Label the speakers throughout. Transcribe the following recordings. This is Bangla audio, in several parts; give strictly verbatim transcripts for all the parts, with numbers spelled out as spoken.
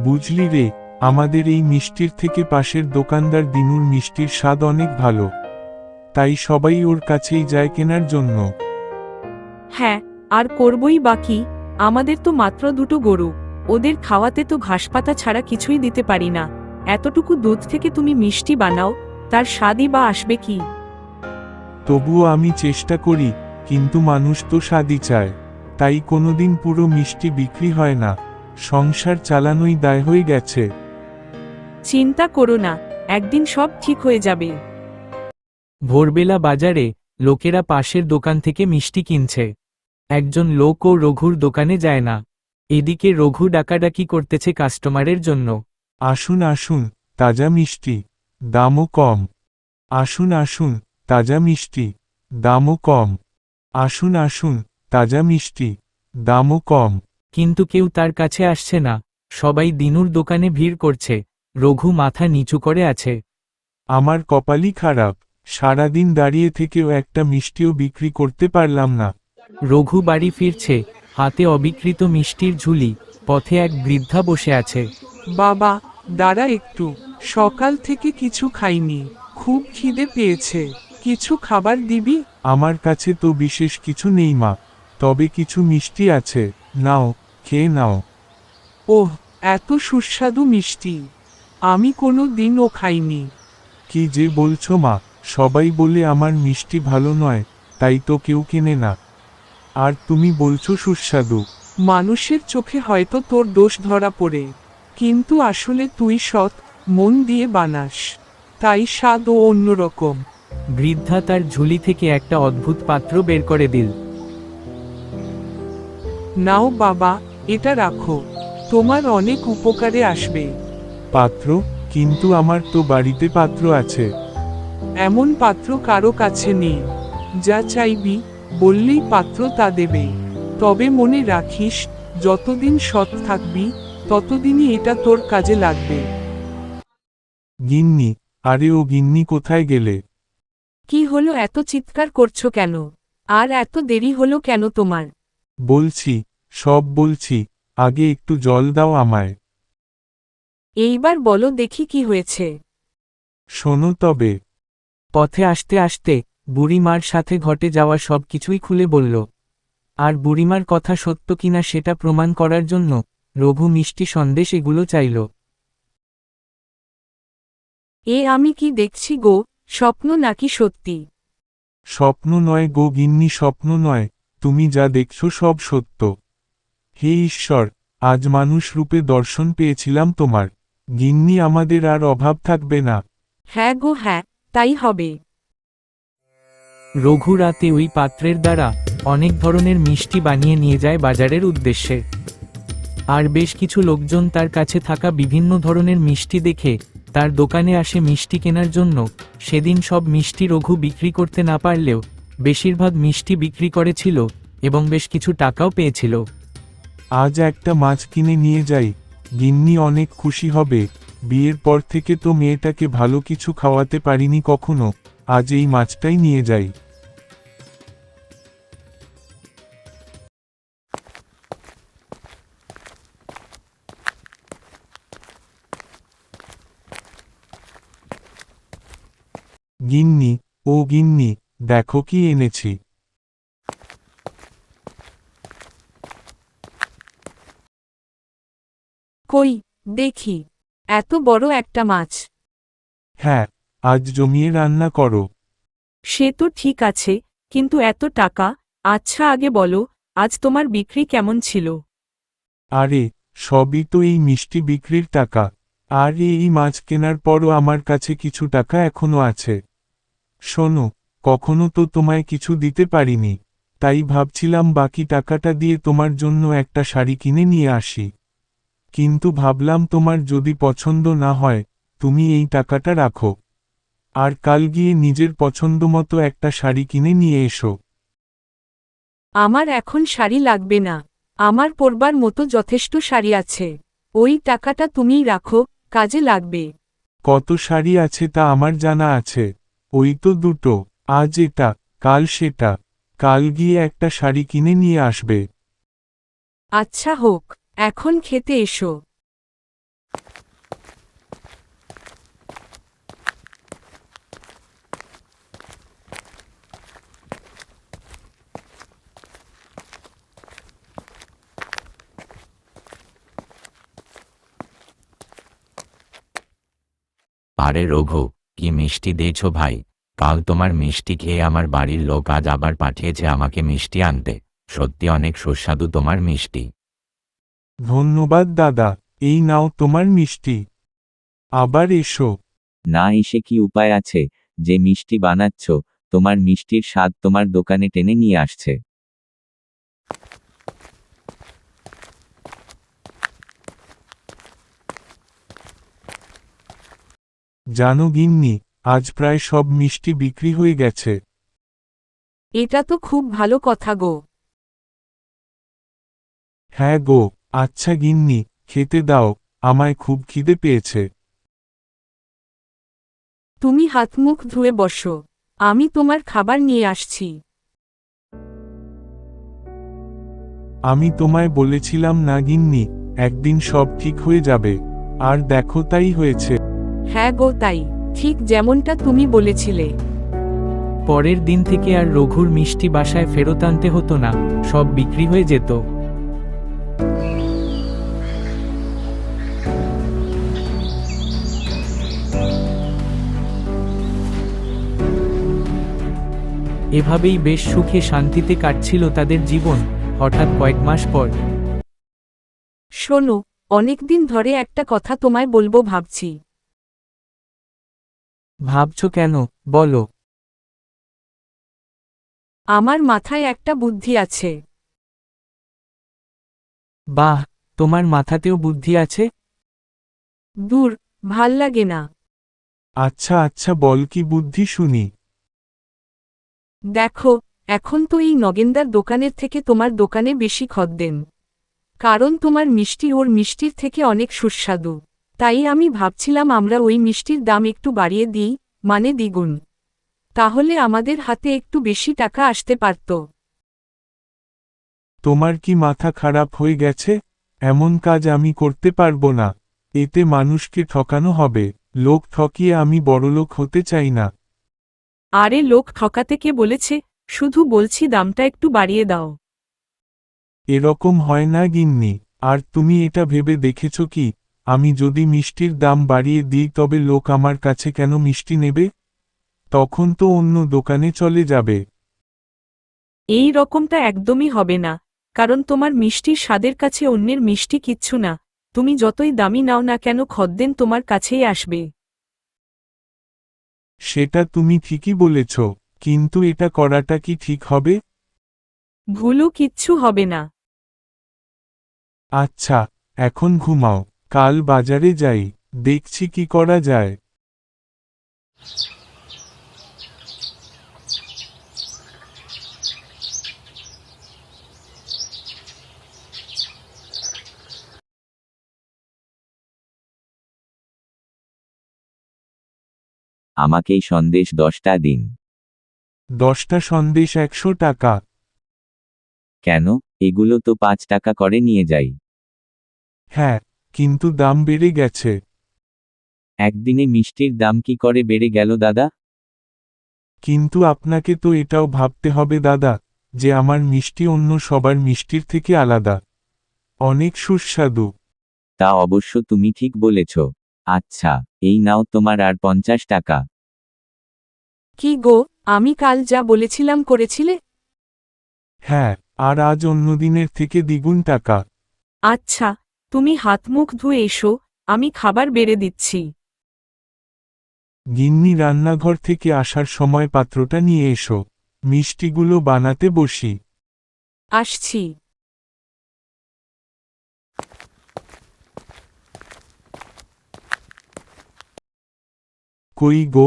Speaker 1: বুঝলি রে, আমাদের এই মিষ্টির থেকে পাশের দোকানদার দিনুর মিষ্টির স্বাদ অনেক ভালো, তাই সবাই ওর কাছেই যায় কেনার জন্য।
Speaker 2: হ্যাঁ, আর করবই বা কি, আমাদের তো মাত্র দুটো গরু, ওদের খাওয়াতে তো ঘাসপাতা ছাড়া কিছুই দিতে পারি না। এতটুকু দুধ থেকে তুমি মিষ্টি বানাও, তার স্বাদই বা আসবে কি?
Speaker 1: তবুও আমি চেষ্টা করি, কিন্তু মানুষ তো স্বাদই চায়, তাই কোনোদিন পুরো মিষ্টি বিক্রি হয় না। সংসার চালানোই দায় হয়ে গেছে।
Speaker 2: চিন্তা করো না, একদিন সব ঠিক হয়ে যাবে।
Speaker 3: ভোরবেলা বাজারে লোকেরা পাশের দোকান থেকে মিষ্টি কিনছে। একজন লোক ও রঘুর দোকানে যায় না। এদিকে রঘু ডাকাডাকি করতেছে কাস্টমারের জন্য।
Speaker 1: আসুন আসুন, তাজা মিষ্টি, দামও কম। আসুন আসুন, তাজা মিষ্টি, দামও কম। আসুন আসুন, তাজা মিষ্টি, দামও কম।
Speaker 3: কিন্তু কেউ তার কাছে আসছে না। সবাই দিনুর দোকানে ভিড় করছে। রঘু মাথা নিচু করে আছে।
Speaker 1: আমার কপালই খারাপ, সারাদিন দাঁড়িয়ে থেকেও একটা মিষ্টিও বিক্রি করতে পারলাম না।
Speaker 3: রঘু বাড়ি ফিরছে, হাতে অবিকৃত মিষ্টির ঝুলি। পথে এক বৃদ্ধা বসে আছে।
Speaker 4: বাবা, দাঁড়া একটু, সকাল থেকে কিছু খাইনি, খুব খিদে পেয়েছে, কিছু খাবার দিবি?
Speaker 1: আমার কাছে তো বিশেষ কিছু নেই মা, তবে কিছু মিষ্টি আছে, নাও, খেয়ে নাও।
Speaker 4: ওহ, এত সুস্বাদু মিষ্টি, আমি কোনো দিনও খাইনি।
Speaker 1: কি যে বলছো মা, সবাই বলে আমার মিষ্টি ভালো নয়, তাই তো কেউ কেনে না। আর তুমি বলছো সুস্বাদু।
Speaker 4: মানুষের চোখে হয়তো তোর দোষ ধরা পড়ে, কিন্তু আসলে তুই সৎ মন দিয়ে বানাস, তাই স্বাদও অন্যরকম।
Speaker 3: বৃদ্ধা তার ঝুলি থেকে একটা অদ্ভুত পাত্র বের করে দিল।
Speaker 4: নাও বাবা, এটা রাখো, তোমার অনেক উপকারে আসবে।
Speaker 1: পাত্র? কিন্তু আমার তো বাড়িতে পাত্র আছে।
Speaker 4: এমন পাত্র কারো কাছে নেই, যা চাইবি বললেই পাত্র তা দেবে। তবে মনে রাখিস, যতদিন সৎ থাকবি ততদিনই এটা তোর কাজে লাগবে।
Speaker 1: গিন্নি, আরে ও গিন্নি কোথায় গেলে?
Speaker 2: কি হলো, এত চিৎকার করছো কেন? আর এত দেরি হলো কেন তোমার?
Speaker 1: বলছি, সব বলছি, আগে একটু জল দাও আমায়।
Speaker 2: এইবার বলো দেখি কি হয়েছে।
Speaker 1: শোনো তবে।
Speaker 3: পথে আসতে আসতে বুড়িমার সাথে ঘটে যাওয়া সব কিছুই খুলে বলল। আর বুড়িমার কথা সত্য কিনা সেটা প্রমাণ করার জন্য রঘু মিষ্টি সন্দেশ এগুলো চাইল।
Speaker 2: এ আমি কি দেখছি গো, স্বপ্ন নাকি সত্যি?
Speaker 1: স্বপ্ন নয় গো গিন্নি, স্বপ্ন নয়, তুমি যা দেখছো সব সত্য। হে ঈশ্বর, আজ মানুষ রূপে দর্শন পেয়েছিলাম তোমার। গিন্নি, আমাদের আর অভাব থাকবে না।
Speaker 2: হ্যাঁ গো হ্যাঁ, তাই হবে।
Speaker 3: রঘু রাতে ওই পাত্রের দ্বারা অনেক ধরনের মিষ্টি বানিয়ে নিয়ে যায় বাজারের উদ্দেশ্যে। আর বেশ কিছু লোকজন তার কাছে থাকা বিভিন্ন ধরনের মিষ্টি দেখে তার দোকানে আসে মিষ্টি কেনার জন্য। সেদিন সব মিষ্টি রঘু বিক্রি করতে না পারলেও বেশিরভাগ মিষ্টি বিক্রি করেছিল এবং বেশ কিছু টাকাও পেয়েছিল।
Speaker 1: আজ একটা মাছ কিনে নিয়ে যাই, গিন্নি অনেক খুশি হবে। বিয়ের পর থেকে তো মেয়েটাকে ভালো কিছু খাওয়াতে পারিনি কখনো, আজ এই মাছটাই নিয়ে যাই। গিন্নি, ও গিন্নি, দেখো কি এনেছি।
Speaker 2: কই, দেখি, এত বড় একটা মাছ।
Speaker 1: হ্যাঁ, আজ জমিয়ে রান্না করো।
Speaker 2: সে তো ঠিক আছে, কিন্তু এত টাকা? আচ্ছা আগে বলো, আজ তোমার বিক্রি কেমন ছিল?
Speaker 1: আরে, সবই তো এই মিষ্টি বিক্রির টাকা। আর এই মাছ কেনার পরও আমার কাছে কিছু টাকা এখনো আছে। শোনো, কখনো তো তোমায় কিছু দিতে পারিনি, তাই ভাবছিলাম বাকি টাকাটা দিয়ে তোমার জন্য একটা শাড়ি কিনে নিয়ে আসি। কিন্তু ভাবলাম তোমার যদি পছন্দ না হয়, তুমি এই টাকাটা রাখো। আর কাল গিয়ে নিজের পছন্দমতো একটা শাড়ি কিনে নিয়ে এসো।
Speaker 2: আমার এখন শাড়ি লাগবে না, আমার পরবার মতো যথেষ্ট শাড়ি আছে। ওই টাকাটা তুমিই রাখো, কাজে লাগবে।
Speaker 1: কত শাড়ি আছে তা আমার জানা আছে, ওই তো দুটো। আজ এটা, কাল সেটা, কাল গিয়ে একটা শাড়ি কিনে নিয়ে আসবে।
Speaker 2: আচ্ছা হোক, এখন খেতে এসো।
Speaker 5: আরে রঘু, কি মিষ্টি দিয়েছো ভাই। কাল তোমার মিষ্টি খেয়ে আমার বাড়ির লোক আজ আবার পাঠিয়েছে আমাকে মিষ্টি আনতে। সত্যি অনেক সুস্বাদু তোমার মিষ্টি।
Speaker 1: ধন্যবাদ দাদা, এই নাও তোমার মিষ্টি। আবার এসো।
Speaker 6: না এসে কি উপায় আছে, যে মিষ্টি বানাচ্ছ, তোমার মিষ্টির স্বাদ তোমার দোকানে টেনে নিয়ে আসছে।
Speaker 1: জানো গিন্নি, আজ প্রায় সব মিষ্টি বিক্রি হয়ে গেছে।
Speaker 2: এটা তো খুব ভালো কথা গো।
Speaker 1: হ্যাঁ গো। আচ্ছা গিন্নি, খেতে দাও, আমায় খুব খিদে পেয়েছে।
Speaker 2: তুমি হাত মুখ ধুয়ে বসো, আমি তোমার খাবার নিয়ে আসছি।
Speaker 1: আমি তোমায় বলেছিলাম না গিন্নি, একদিন সব ঠিক হয়ে যাবে। আর দেখো তাই হয়েছে।
Speaker 2: হ্যাঁ গো, তাই ঠিক যেমনটা তুমি বলেছিলে।
Speaker 3: পরের দিন থেকে আর রঘুর মিষ্টি বাসায় ফেরত আনতে হতো না, সব বিক্রি হয়ে যেত। এভাবেই বেশ সুখে শান্তিতে কাটছিল তাদের জীবন। হঠাৎ কয়েক মাস পর
Speaker 2: শোনো, অনেকদিন ধরে একটা কথা তোমায় বলবো ভাবছি।
Speaker 3: ভাবছো কেন, বলো।
Speaker 2: আমার মাথায় একটা বুদ্ধি আছে।
Speaker 3: বাহ, তোমার মাথাতেও বুদ্ধি আছে?
Speaker 2: দূর, ভাল লাগে না।
Speaker 1: আচ্ছা আচ্ছা, বল কি বুদ্ধি শুনি।
Speaker 2: দেখো, এখন তো এই নগেন্দার দোকানের থেকে তোমার দোকানে বেশি খদ্দেন। কারণ তোমার মিষ্টি ওর মিষ্টির থেকে অনেক সুস্বাদু। তাই আমি ভাবছিলাম আমরা ওই মিষ্টির দাম একটু বাড়িয়ে দিই, মানে দ্বিগুণ। তাহলে আমাদের হাতে একটু বেশি টাকা আসতে পারত।
Speaker 1: তোমার কি মাথা খারাপ হয়ে গেছে? এমন কাজ আমি করতে পারবো না। এতে মানুষকে ঠকানো হবে। লোক ঠকিয়ে আমি বড়লোক হতে চাই না।
Speaker 2: আরে লোক ঠকাতে কে বলেছে, শুধু বলছি দামটা একটু বাড়িয়ে দাও।
Speaker 1: এরকম হয় না গিন্নি। আর তুমি এটা ভেবে দেখেছ কি, আমি যদি মিষ্টির দাম বাড়িয়ে দিই তবে লোক আমার কাছে কেন মিষ্টি নেবে? তখন তো অন্য দোকানে চলে যাবে।
Speaker 2: এই রকমটা একদমই হবে না, কারণ তোমার মিষ্টির স্বাদের কাছে অন্যের মিষ্টি কিচ্ছু না। তুমি যতই দামি নাও না কেন খদ্দেন তোমার কাছেই আসবে।
Speaker 1: সেটা তুমি ঠিকই বলেছ, কিন্তু এটা করাটা কি ঠিক হবে?
Speaker 2: ভুলও কিচ্ছু হবে না।
Speaker 1: আচ্ছা, এখন ঘুমাও, কাল বাজারে যাই, দেখছি কি করা যায়।
Speaker 6: আমাকেই সন্দেশ দশটা দিন।
Speaker 1: দশটা সন্দেশ একশো টাকা।
Speaker 6: কেন, এগুলো তো পাঁচ টাকা করে নিয়ে যাই।
Speaker 1: হ্যাঁ, কিন্তু দাম বেড়ে গেছে।
Speaker 6: একদিনে মিষ্টির দাম কি করে বেড়ে গেল দাদা?
Speaker 1: কিন্তু আপনাকে তো এটাও ভাবতে হবে দাদা, যে আমার মিষ্টি অন্য সবার মিষ্টির থেকে আলাদা, অনেক সুস্বাদু।
Speaker 6: তা অবশ্য তুমি ঠিক বলেছ। আচ্ছা, এই নাও তোমার আর পঞ্চাশ টাকা।
Speaker 2: কি গো, আমি কাল যা বলেছিলাম করেছিলে?
Speaker 1: হ্যাঁ, আর আজ অন্যদিনের থেকে দ্বিগুণ টাকা।
Speaker 2: আচ্ছা, তুমি হাত মুখ ধুয়ে এসো, আমি খাবার বেড়ে দিচ্ছি।
Speaker 1: গিন্নি রান্নাঘর থেকে আসার সময় পাত্রটা নিয়ে এসো, মিষ্টিগুলো বানাতে বসি।
Speaker 2: আসছি।
Speaker 1: কই গো?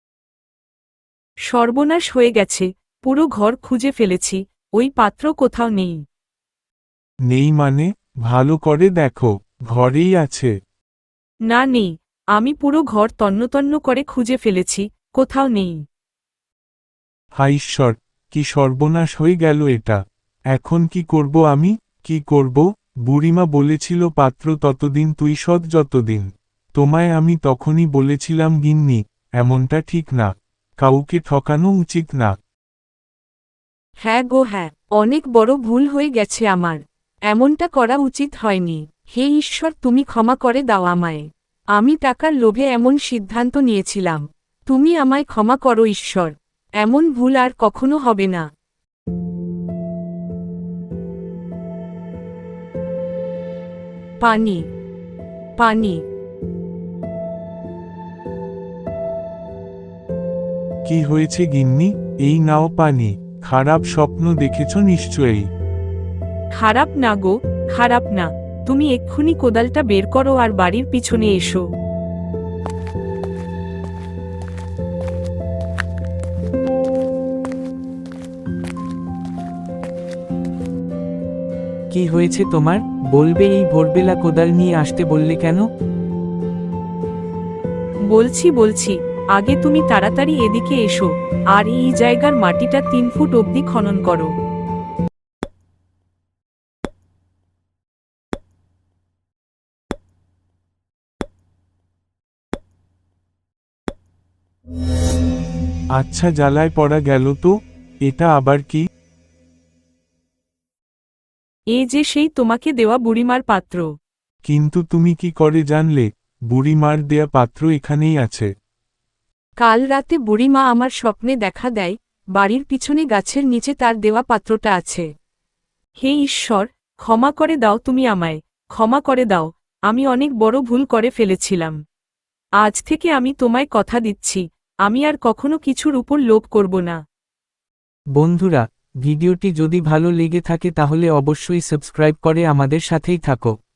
Speaker 2: সর্বনাশ হয়ে গেছে, পুরো ঘর খুঁজে ফেলেছি, ওই পাত্র কোথাও নেই।
Speaker 1: নেই মানে? ভালো করে দেখো, ঘরেই আছে।
Speaker 2: না নেই, আমি পুরো ঘর তন্নতন্ন করে খুঁজে ফেলেছি, কোথাও নেই।
Speaker 1: হায় ঈশ্বর, কি সর্বনাশ হয়ে গেল এটা। এখন কি করব আমি, কি করব? বুড়িমা বলেছিল পাত্র ততদিন তুই সৎ যতদিন। তোমায় আমি তখনই বলেছিলাম গিন্নি, এমনটা ঠিক না, কাউকে ঠকানো উচিত না।
Speaker 2: হ্যাঁ গো হ্যাঁ, অনেক বড় ভুল হয়ে গেছে আমার। এমনটা করা উচিত হয়নি। হে ঈশ্বর, তুমি ক্ষমা করে দাও আমায়। আমি টাকার লোভে এমন সিদ্ধান্ত নিয়েছিলাম। তুমি আমায় ক্ষমা করো ঈশ্বর, এমন ভুল আর কখনো হবে না। পানি, পানি।
Speaker 1: কি হয়েছে গিন্নি? এই নাও পানি। খারাপ স্বপ্ন দেখেছ নিশ্চয়ই।
Speaker 2: খারাপ না গো, খারাপ না। তুমি এক্ষুনি কোদালটা বের করো আর বাড়ির পিছনে এসো।
Speaker 3: কি হয়েছে তোমার? বলবে, এই ভোরবেলা কোদাল নিয়ে আসতে বললে কেন?
Speaker 2: বলছি বলছি আগে তুমি তাড়াতাড়ি এদিকে এসো, আর এই জায়গার মাটিটা তিন ফুট অবধি খনন করো।
Speaker 1: আচ্ছা, জ্বালায় পড়া গেল তো। এটা আবার কি?
Speaker 2: এ যে সেই তোমাকে দেওয়া বুড়িমার পাত্র।
Speaker 1: কিন্তু তুমি কি করে জানলে বুড়িমার দেয়া পাত্র এখানেই আছে?
Speaker 2: কাল রাতে বুড়িমা আমার স্বপ্নে দেখা দেয়, বাড়ির পিছনে গাছের নিচে তার দেওয়া পাত্রটা আছে। হে ঈশ্বর, ক্ষমা করে দাও তুমি আমায়, ক্ষমা করে দাও। আমি অনেক বড় ভুল করে ফেলেছিলাম। আজ থেকে আমি তোমায় কথা দিচ্ছি, আমি আর কখনো কিছুর উপর লোভ করব না।
Speaker 3: বন্ধুরা, ভিডিওটি যদি ভালো লেগে থাকে তাহলে অবশ্যই সাবস্ক্রাইব করে আমাদের সাথেই থাকো।